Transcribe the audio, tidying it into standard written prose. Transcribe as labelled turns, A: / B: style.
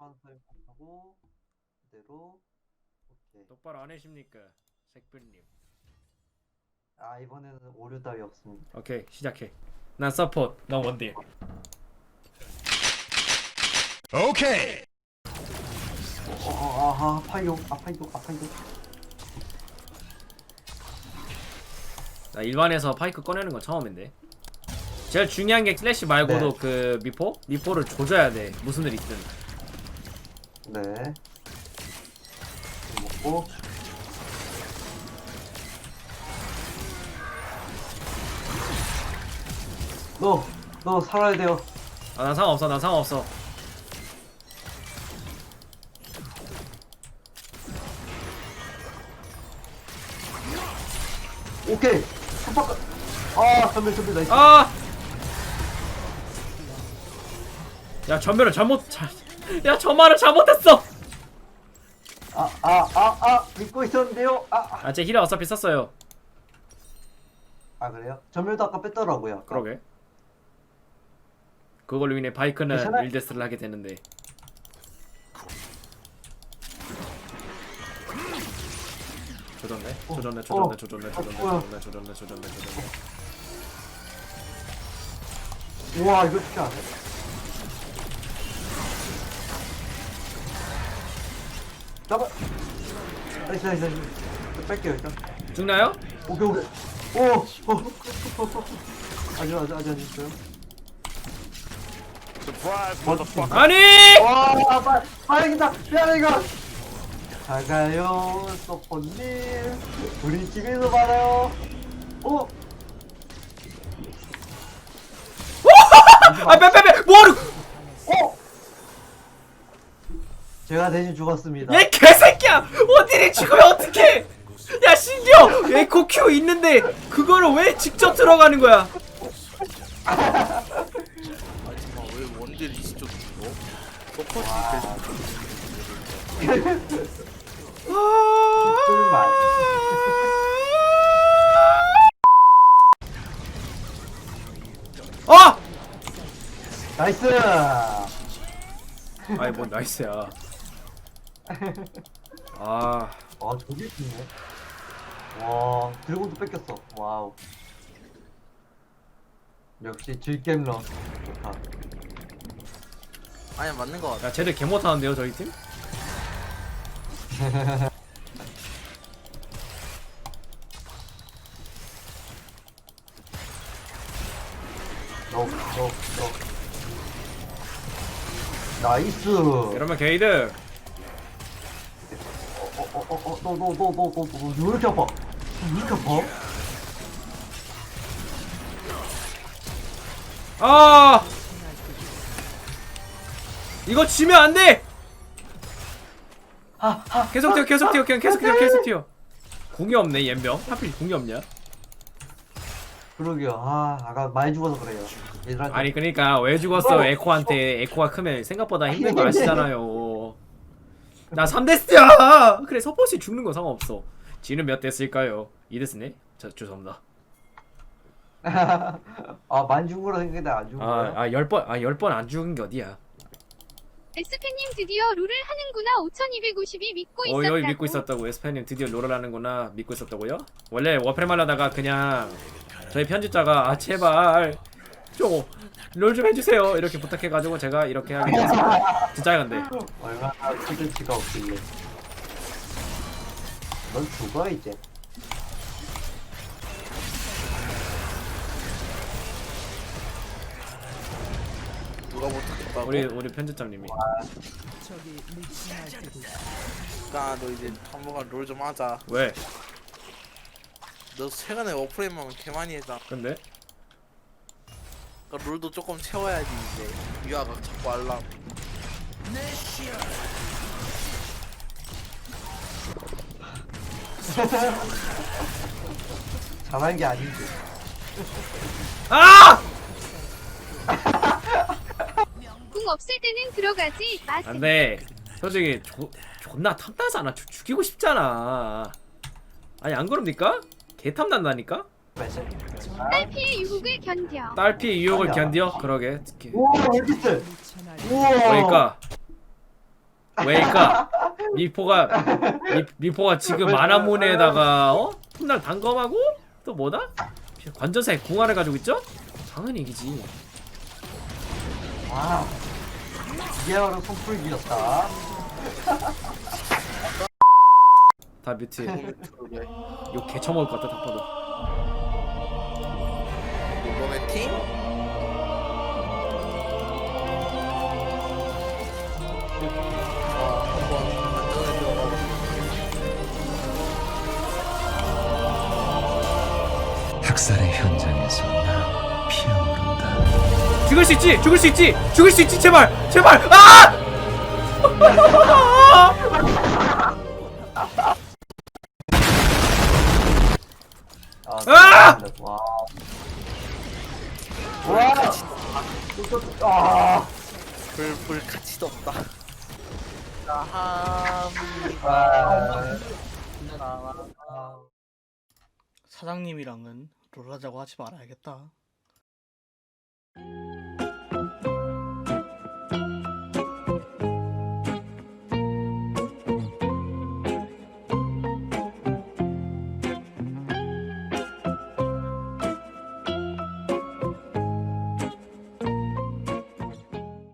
A: 판 사용하고 그대로. 오케이.
B: 똑바로 안 해십니까, 색별님?
A: 아 이번에는 오류 따위 없습니다.
B: 오케이, 시작해. 난 서포트, 넌 원딜.
C: 오케이.
A: 아파요.
B: 나 일반에서 파이크 꺼내는 건 처음인데. 제일 중요한 게 슬래시 말고도
A: 네.
B: 그 미포를 조져야 돼. 무슨 일 있든.
A: 네. 먹고. 너 살아야 돼요.
B: 아, 난 상관없어, 난 상관없어.
A: 오케이. 깜빡. 전멸 나이스.
B: 아! 야, 전멸을 야, 저 말을 잘못했어!
A: 믿고 있었는데요.
B: 아, 제 힐을 어차피 썼어요.
A: 그래요? 전멸도 아까 뺐더라고요. 아까.
B: 그러게. 그걸로 인해 바이크는
A: 괜찮아요.
B: 1데스를 하게 되는데. 조졌네.
A: 우와 이거 쉽지 않네. 잡아. 나이스. 뺄게요 일단.
B: 죽나요?
A: 오케이. 아직 있어요.
C: Surprise, motherfucker.
B: 아니!
A: 이긴다. 미안해 이거. 잘 가요, 서포님. 우리 집에서 받아요.
B: 아, 빼! 뭐하러!
A: 제가 대신 죽었습니다.
B: 얘 개새끼야! 원딜이 죽으면 어떡해! 야, 심지어 에코 큐 있는데 그거를 왜 직접 들어가는 거야?
D: 아 잠깐 왜 원딜 이쪽 죽어? 서포트
A: 꿀맛.
B: 아!
A: 나이스.
B: 아이, 뭔 나이스야. 아,
A: 저게 있네. 와, 드래곤도 뺏겼어. 와우. 역시 질겜러 좋다.
D: 아니 맞는 거 같아.
B: 야, 쟤들 개 못하는데요, 저희 팀?
A: 너. 나이스.
B: 이러면 게이드.
A: 너, 왜 이렇게 아파?
B: 아! 이거 지면 안 돼! 계속 뛰어. 궁이 없네, 옌병. 하필 궁이 없냐?
A: 그러게요. 아까 많이 죽어서 그래요. 얘들한테.
B: 아니, 그러니까 왜 죽었어? 에코한테. 에코가 크면 생각보다 힘든 거 아시잖아요. 나 3데스야! 그래, 서포시 죽는 건 상관없어. 지는 몇 데스일까요? 2데스네? 죄송합니다.
A: 많이 죽은 거라 생각했는데 안 죽은 거야.
B: 10번 안 죽은 게 어디야?
E: 에스페님 드디어 룰을 하는구나. 5252 믿고 있었다고.
B: 여기 믿고 있었다고. 에스파님 드디어 롤을 하는구나. 믿고 있었다고요? 원래 워프렘 하려다가 그냥 저희 편집자가 제발 좀 롤 좀 해주세요 이렇게 부탁해가지고 제가 이렇게 하게 됐어요. 진짜야 근데.
A: 얼마나 컨텐츠가 없길래. 넌 죽어 이제.
D: 누가 못하겠다고?
B: 우리 편집자님이.
D: 그러니까 너 이제 한번간 롤 좀 하자.
B: 왜?
D: 너 최근에 워프레임만 개 많이 했잖아.
B: 근데?
D: 그러니까 롤도 조금 채워야지 이제. 유아가 자꾸 하려고.
A: 잘한 게 아니지.
B: 아!
E: 궁 없을 때는 들어가지 마세요.
B: 안돼. 솔직히 존나 탐나잖아. 죽이고 싶잖아. 아니 안 그럽니까? 개 탐난다니까?
E: 딸피의 유혹을 견뎌.
B: 딸피 유혹을 견뎌? 그러게.
A: 우와 왜 이렇게 세? 우와.
B: 그러니까 왜일까? 미포가 지금 마나문에다가 훗날 단검하고 또 뭐다? 관전사에 궁화를 가지고 있죠? 당연히 이기지.
A: 아, 이게 바로 손풀기였다.
B: 다 뮤트. 욕 개처먹을 것 같다 딱 봐도.
D: 이번에 팀? 한번 안전에 들어가고.
F: 학살의 현장에서 나 피어오른다.
B: 죽을 수 있지! 죽을 수 있지! 죽을 수 있지! 제발! 제발! 아! 아!
A: 와. 와. 아.
D: 불 가치도 없다. 나함이
A: 아.
G: 사장님이랑은 롤하자고 하지 말아야겠다.